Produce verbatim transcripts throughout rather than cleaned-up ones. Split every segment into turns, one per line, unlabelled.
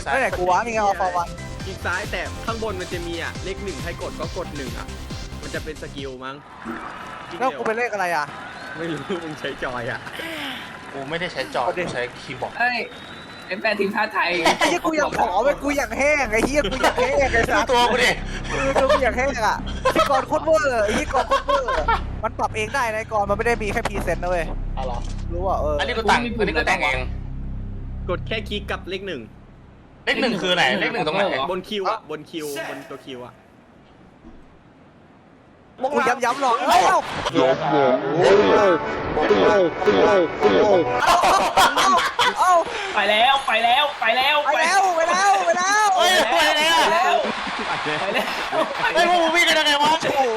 ซ้าย
ไม่ไหนกูวะนี่ไงออฟวัน
คลิกซ้ายแต่ข้างบนมันจะมีอ่ะเลขหนึ่งให้กดก็กดหนึ่งอ่ะมันจะเป็นสกิลมั้ง
แล้วกูเป็นเลขอะไรอ่ะ
ไม่รู้มึงใช้จอยอ่ะ
กูไม่ได้ใช้จอกูใช้คีย์บอร์ด
เฮ้ยเป็นแฟนทีมชาติไทย
ไอ้เหี้ยกูอยากผอมไอ้กูอยากแห้งไอ้เหี้ยกูอยากแห้งไอ้
ดู
สัส
ตัวกูดิ
ดูกูอยากแห้งอ่ะพี่กรณ์โคตรเวอร์ไอ้พี่กรณ์โคตรเวอร์มันปรับเองได้นะไอ้กรณ์มันไม่ได้มีแค่พรีเซนต์นะเว้ย
อ๋อเหรอ
รู้อ่ะเออ
อันนี้กูแต่งอันนี้กูแต่งเอง
กดแค่คลิกกับเลขหนึ่ง
เลขหนึ่งคือไหนเลขหนึ่งตรงไหน
บนคิวอ่ะบนคิวบนตัวคิวอ่ะ
กูย้ำย้ำหรอกเอ้า
ย้ำหรอเอ้าเอ้าเอ้าเอ้า
เอ้า
ไปแล้วไปแล้วไปแล้ว
ไปแล้วไปแล้วไปแล้ว
เฮ้ยไปไหนอ่ะ
ไปแล้ว
ไปเลย
ไปแล้ว
ไอ้พวกมึงวิ่งกันยังไงวะ
โอ้โห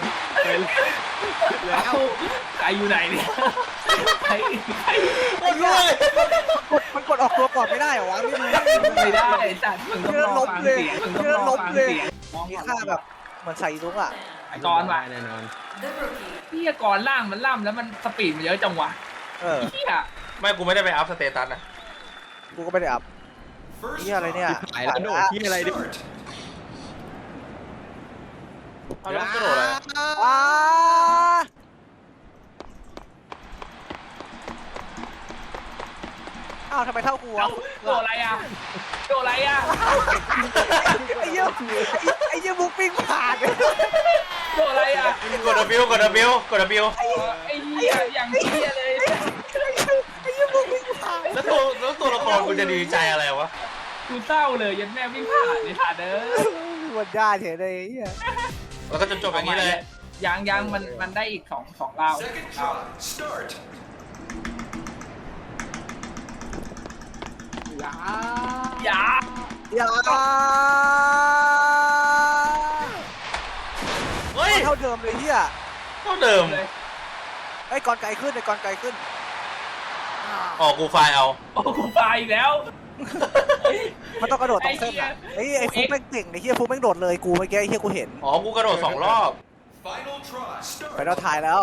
แล้วใครอยู่ไหนเนี่ยใครใคร
คนรวย
กดมันกดออกตัวก่อนไม่ได้เหรอวะไม่รู้
ไม่ได้จัดมึงต้องรอฟังเสียงมึงต้องรอฟังเสียง
มีค่าแบบเหมือนใส่ลุงอ่ะ
ไอ้กอนว่ะ
แน่นอน
พี่กอนล่างมันล่ำแล้วมันสปีดมันเยอะจังวะ
เออ
พี่อะ
ไม่กูไม่ได้ไปอัพสเตตัสนะ
กูก็ไม่ได้อัพนี่อะไรเนี่ย
หายแล้วโดดที่อะไรดิ
เอาแล้วกระโดดอะไร
ว้าอ้าวทำไมเท่ากู
เอา
อ่ะ
โดอะไรอะโดอะไรอะ
ไอ้เหี้ยไอ้เหี้ยบุกปิ้งผ่าน
โดอะไรอะ
กด W กด W กด W
ไอ้เหี้ยอย่างเหี้ยเลย
ไอ้เหี้ยบุกปิ้งผ่าน
แล้วตัวแล้วตัวละครกูจะดีใจอะไรวะ
กูเศร้าเลยยันแม่วิ่งผ่านในผ่านเด้อ
วันได้เฉยเลยไอ้เหี้ย
แล้วก็จบจบอย่างนี้เลย
ยังยังมันมันได้อีกสองสองราว
Second try. Start.
อย่า
อย่า
เฮ้ย
เท่าเดิมเลยเหี้ย
เท่าเดิม
เลย
ไอ้กอนไกลขึ้นไอ้กอนไกลขึ้น
ออกกูไฟล์เอา
โอ้กูไปอีกแล้ว
มันต้องกระโดดตรงเส้นอ่ะไอ้ไอ้ฟุกแม่งเก่งไอ้เหี้ยฟุกแม่งโดดเลยกูเมื่อกี้ไอ้เหี้ยกูเห็น
อ๋อกูกระโดดสองรอบ
Final try.
ไป
Start.
เราถ่ายแล้ว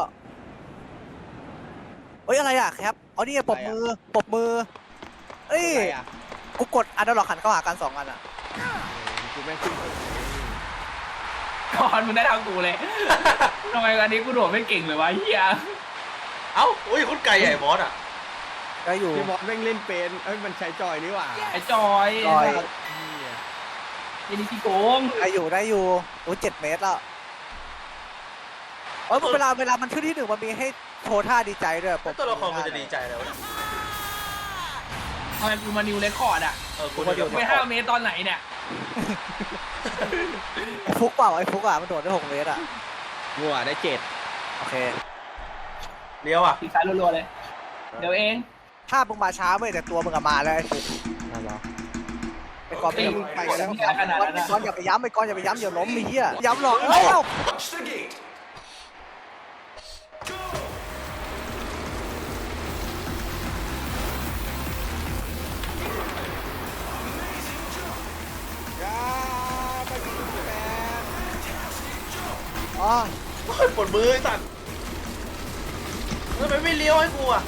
เฮ้ยอะไรอ่ะครับเอานี่ไงปรบมือปรบมือเอ้ยกูกดอันดับหลอกหันเข้าหากันสองอันอ่ะ
กูแม่งขึ้น
ก่อนมึงได้ทางกูเลยทำไมวันนี้กูโดดไม่เก่งเลยวะเฮีย
เอ้าอุ้ยคุณไก่ใหญ่บอสอ่ะ
ได้อยู่
พี่บอสแม่งเล่นเป็นเอ้ยมันใช้จอยนี่หว่า
ไอ้จอย
จอย
ยันนี่พี่โกง
ได้อยู่ได้อยู่โอ้เจ็ดเมตรแล้วเอ้ยเวลาเวลามันขึ้นที่หนึ่งมันมีให้โชว์ท่าดีใจด้วยป
แล้วตัวละครกูจะดีใจแล้วะ
ทำไมกูมานิวเรคคอร์ดอ่ะ
เออกูจะ
ไปห้าเมตรตอนไหนเนี่ย
ไอ้ฟุกเปล่าไอ้ฟุกอ่ะมันโดดได้หกเมตรอ่ะ
งัวได้เจ็ด
โอเค
เลี้ยวอ่ะ
ปีกซ้ายรัวๆเลย เดี๋ยวเอง
ถ้ามึงมาช้าเว้ยแต่ตัวมึงอะมาแล้วไอ้ฟุก
น่ารัก
ไอ้กอนไปยิงไปแล้ว
ไม่ขนาดนั้น
ไอ้
นะ
กอนอย่าไปย้ำไอ้กอนอย่าไปย้ำอย่าล้มไอ้เหี้ยย้ำหรอกเอ้า
Watch the gate. Go.
อ๋อ
ปวดมือไอ้สัตว์ทำไมไม่เลี้ยวให้กูอ่ะ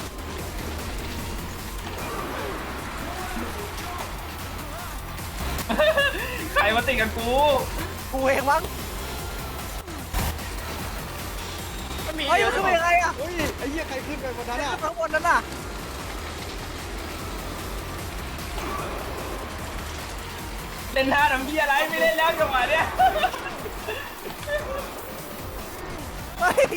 ใครมาติดกับกู
กูเองมั้ง
ไม่มี
เฮ้ย
เลี้ยว
มันขึ้นไปยังไงอะ
เฮ้ยไอ้เหี้ยใครขึ้นไปบนนั้นอ่ะ
ข้างบนนั้นน่ะ
เล่นท่าทำเพี้ยอะไรไม่เล่นแล้วจังหวะเนี้ย
เฮ้ย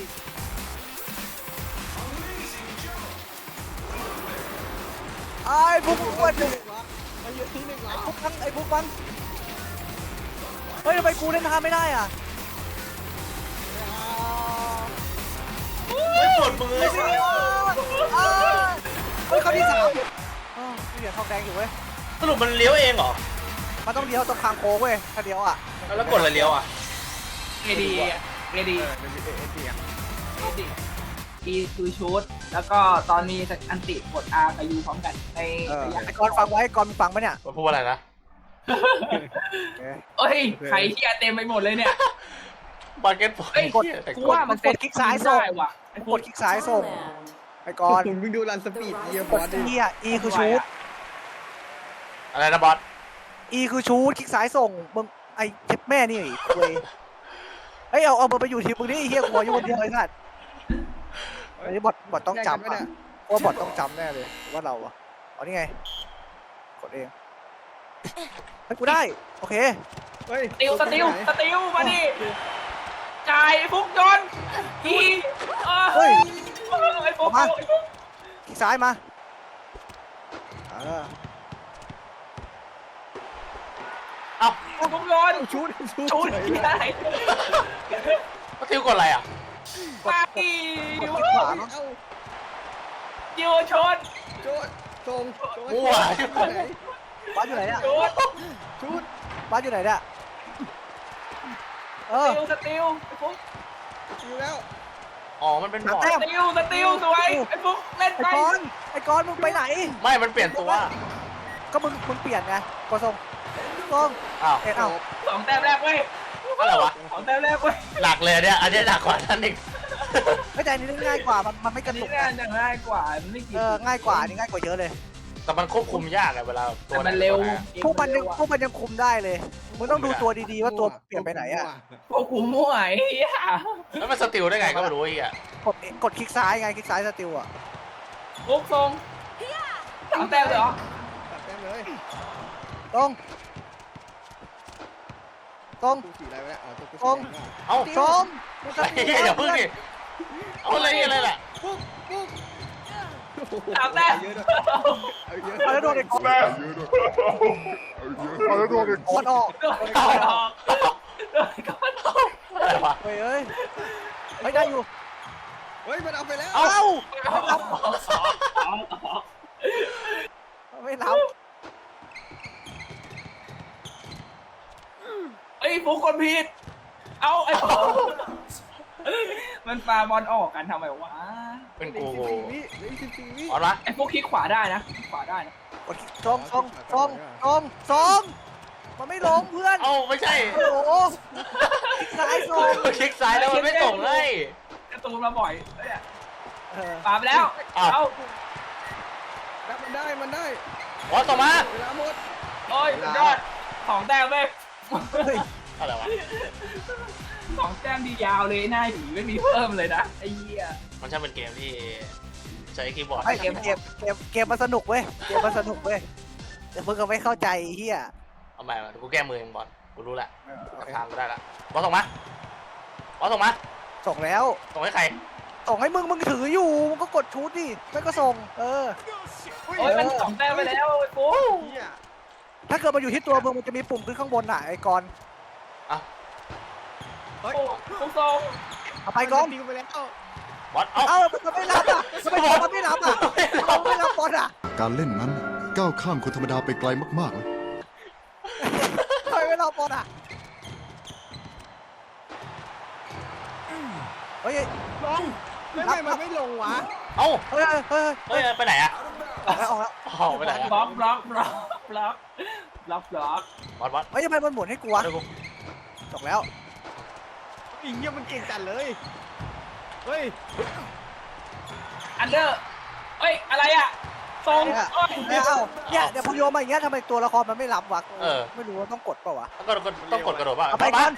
ไอ้พวกมึงอ้วนดิ
ไอ้เหี้ยที่หนึ่งเหรอ
พวกมันไอ้พวกมันเฮ้ยทำไมกูเล่นท่าไม่ได้อ่ะ
ไม่ปวดมือไอ้สัตว์
อ้าวเฮ้ยเขาที่สามอ้าวมีเหรียญทองแดงอยู่เว้ย
สรุปมันเลี้ยวเองเหรอ
มันต้องเลี้ยวตรงทางโค้งเว้ยถ้าเลี้ยวอ่ะ
แล้วกดอะไรเลี้ยวอ่ะ
เอดีเอดี
เออเป็นเอเอเอ
เอดีอีคือชุด แล้วก็ตอนมีอันติกด R กับ U พร้อมกันใน
เออ
ระยะ
ไอ้กอนฟังไว้กอนมึงฟังปะเนี่ย
มันพูดว่าอะไรนะ
เอ้ยใครเฮียเต็มไปหมดเลยเนี่ย
บาร์เก็ตบอล
เอ้ย
เหี้ยแต่
กู
กด
ว่ามัน
กดคลิกซ้ายส่ง
ได้ว่ะไอ้
กดคลิกซ้ายส่งไอ้กอน
มึงดูรันสปีดเยี่ยบ
ก
อ
ด
สดิ
เฮีย E คือชูด
อะไรนะบอส
E คือชูดคลิกซ้ายส่งมึงไอ้เจ็บแม่นี่คุยเฮ้ยเอาเอามึงไปอยู่ทีมมึงนี่ไอ้เฮียกูอยู่คนเดียวไอ้สัตว์อันนี้บอทบอทต้องจำอ่ะว่าบอทต้องจำแน่เลยว่าเราอ่ะอ๋อนี่ไงกดเองให้กูได้โอเค
เฮ้ย
สติลสติลสติลมาดิจ่ายฟุกโยนทีเออ
เฮ้ย
ไอ้ฟุก
มา คลิกซ้ายมาเออ
เอ้า
ฟุกโยน
ชุดชุด
ชูดที่ไหน
ก็ทิวกดอะไรอ่ะ
กด
ไป
กดกดคลิกขวาเนาะ
เอ้า
ยูชน
ชุดทรง
มั่ว
ไหน
บ้านอยู่ไหนเนี่ย
ชูด
ชุด
บ้านอยู่ไหนเนี่ยเอ
ส
อ
ติลสติลไอ้ฟุก
อยู่แล้ว
อ๋อมันเป็นบอ
แต้
ร์
ม
ด
สติลสติลสวยไอ้ฟุกเล่น
ไอ้
ไป
กอนไอ้กอนมึงไปไหน
ไม่มันเปลี่ยนตัว
ก็มึงมึงเปลี่ยนไงกดส่งส่ง
อ้าว
เอ็ดเอา
สองแต้มแรกเว้ย
อะไรวะ
สองแต้มแรกเว้ย
หลักเลยเนี่ยอันนี้หนักกว่านั้นอีก
ไม่แต่อันนี้ง่ายกว่ามันมันไม่ก
อั
ระ
น
ตุ
นี้
ก
ง่าย
นะ
จะง่ายกว่ามันไม่กิน
เออง่ายกว่าอันนี้ง่ายกว่าเยอะเลย
แต่มันควบคุมยากอะเวลาตั
แต่
วไห
มันเร็ว
พวกมันยังพวกมันยังคุมได้เลยมึงต้องดูตัวดีๆว่าตัวเปลี่ยนไปไหนอ่ะ
พวกกูมั่วไอ้เหี้ย
แล้วมันสติลได้ไงก็ไม่รู้ไอ้เหี้ย
กดกดคลิกซ้ายไงคลิกซ้ายสติลอ่ะ
ฟุกทรงสามแต้มเลยเหรอ
ตัดแต้มเลย
ตรงตรง
กูสีอะไรวะเนี่ยอ๋อตัวกู
ตรง
สีแดง
เอ้า
ชมมึง
ไอ้
จะ
เหี้ยอย่าพึ่งดิเอาอะไรอะไรล่ะ
สามแต้ม
เยอะด้วยเอาเยอะ
เอาแล้วโดนไอ้กอน
เอาแล้วโดน
กอนออก
โดนก่อนออกโดนก่อนออก
อะไรวะ
เฮ้ยเอ้ยไม่ได้อยู่
เฮ้ยมันเอาไปแล้ว
เอ้า
ออกออก
ไม่รับ
ไอ้ยฟุกคนผิด เอาไอ้ฟุกมันปาบอลออกกันทำไมวะ
เป็น
เหลือ
กู
อีกสิบสี่วิเหลืออีกสิบสี่วิ
เอาละ
ไอ้ฟุกคลิกขวาได้นะคลิกขวาได้นะ
กดคลิกตรงตรงตรงตรงตรงมันไม่ลงเพื่อน
เอ้าไม่ใช่
โอ้โหคลิกซ้ายส่ง
คลิกซ้ายแล้วมันไม่ส่งเลย
การะตูนมาบ่อยเนี่ย
เออ
ปาไปแล้ว
อ้าว
เอา
แล้วมันได้มันได้
บอสส่งมา
เวลาหมด
โอ้ยสุดยอดสองแต้มเว้ย
เฮ้ย
อะไรวะ
สองแต้มดียาวเลยหน้าผีไม่มีเพิ่มเลยนะไอ้เหี้ย
มันช่างเป็นเกมที่ใช้คีย์บอร์ด
ไอ้เกมเกมเกมเกมมันสนุกเว้ยเกมมันสนุกเว้ยแต่มึงก็ไม่เข้าใจไอ้เฮีย
เอาใหม่มากูแก้มือเองบอสกูรู้แหละ
โอเค
ทางกูได้ละบอสส่งมาบอสส่งมา
ส่งแล้ว
ส่งให้ใคร
ส่งให้มึงมึงถืออยู่มึงก็กดชุดดิไม่ก็ส่ง เออ
โอ้ยมันสองแต้มไปแล้วไอ้ปุ๊
เหี้ย
ถ้าเกิดมันอยู่ที่ตัวมึงมันจะมีปุ่มขึ้นข้างบนน่ะไอ้กอน
เฮ้ย
ปุ๊ทรง
เอาไปกอน
ทิ้งไปแล้ว
บอส เอ้า
เอ้ามันไม่รับอ่ะทำไมมันไม่รับอ่ะมันไม่รับบอลอ่ะ
การเล่นนั้นก้าวข้ามคนธรรมดาไปไกลมากๆนะ
ทำไมไม่รับบอลอ่ะเฮ้ย
ลงไม่ไม่มันไม่ลงวะ
เอ้า
เฮ้ยเฮ้ย
เฮ้ยไปไหนอะ
ออกแล้วออกแล้ว
ออกไปไหนอะ
บล็อกบล็อกบล็อกบล็อกบล็อกบล็อก
บอสบอส
เฮ้ยทำไมมันหมุนให้กูวะ
เดี๋ยวกู
ส่งแล้ว
อีเหี้ยมันเก่งจัดเลยเฮ้ย
อันเดอร์เอ้ยอะไรอ่ะทรง
เนี่ย
เอ้ย
เนี่ยเอ้าเนี่ยเดี๋ยวพอโยนมาอย่างเงี้ยทำไมตัวละครมันไม่รับวะไม่รู้ว่าต้องกดเปล่าวะ
ต้องกดต้องกดกระโดดป่ะ
เอาไป
บ
ก่
อ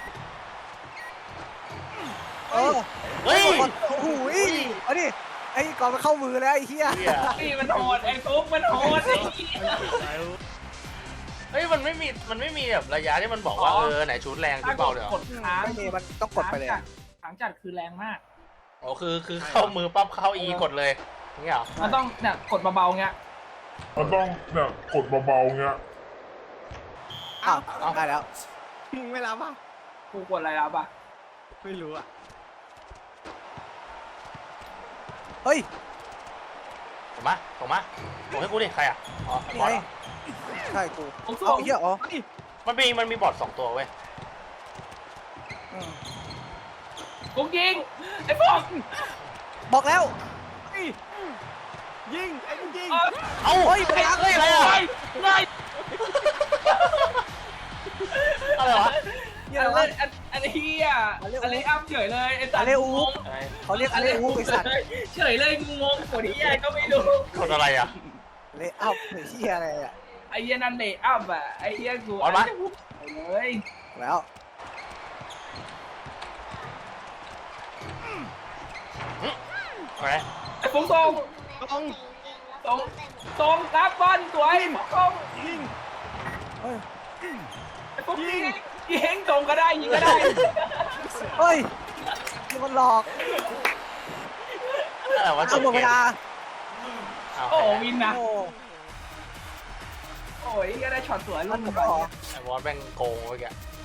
อ
ส
นเออ
เฮ้ย
โอ้โหเอาดิไอ้ก่อนมันเข้ามือแล้วไอ้เหี้ย
เหี้ย
นี่มันโหดไอ้ปุ๊มันโหดไอ้เหี้ย
เฮ้ยมันไม่มีมันไม่มีแบบระยะที่มันบอกว่า
อ๋
เอ
อ
อไหนชุดแรงชุดเบาเดี๋ยว
กดค้าง
ไม่มีมันต้องกดไปเลย
ค้างจัดคือแรงมาก
อ๋อคือคือเข้ามือปั๊บเข้าอีกดเลยอย่างเงี้ยเหรอ
มันต้องเนี่ยกดเบาๆเงี้ย
มันต้องเนี่ยกดเบาๆเงี้ย
อ้าวได้แล้ว
มึงไม่รับอ่ะ
กูกดอะไรรับอ่ะ
ไม่รู้อ่ะ
เฮ้ย
ส่งมาส่งมาส่งให้กูดิใครอ่ะอ๋อ
นี่
บอ
ไง
สเหรอ
ใช่กู
ปุ๊
เอาเหี้ยอ๋อ
มันมีมันมีบอร์ดสองตัวเว้ย
อืม
ปุ๊ยิงไอ้ปุ๊ก
บอกแล้ว
ยิงไอ้มึงยิง
เอ้า
เฮ้ย
เฮ้ย
ไป
เฮ้ยอะไรอ่ะ
ไล่
อะไรวะ
เหี้ย
อัน
อะไร
เล่
วะ
นอันอันเฮียอันเล่นอัพเฉยเลยไอ้สัตว์
อันเล่นอุ๊บ
งง
อะไร
เขาเรียกอะไรอูไปสัตว์
เฉยเลยงงกดเฮียก็ไม่รู้
กดอะไรอ่ะ
เลยเอ้าเหี้ยอะไรอ่ะ
ไอ้เหี้ยนั่นเลย์อัพอ่ะไอ้เหี้ยกู
บอลมา
จะพูดเลย
แล้ว
ไป
ไอ้ฟุ้งตรงตรงตรงตรงกับบอลสวยตรงยิง
เฮ้ย
ไอ้ฟุ้งยิงยิงตรงก็ได้ยิงก็ได้
เฮ้ยนี่มันหลอก
อะไรวะจ
เอา
บ
หมด
เก
เว
ม
ลา
เอา
โอ้วินนะ
โอ้
โอ้ยก็ได้ช็อตสวยลู
นั่
ก
น
ห
ผ
นึ่
ม
ง
ก็
ไป
เหรอ
ไอ้บอสแม่งโกงเมื่อกี้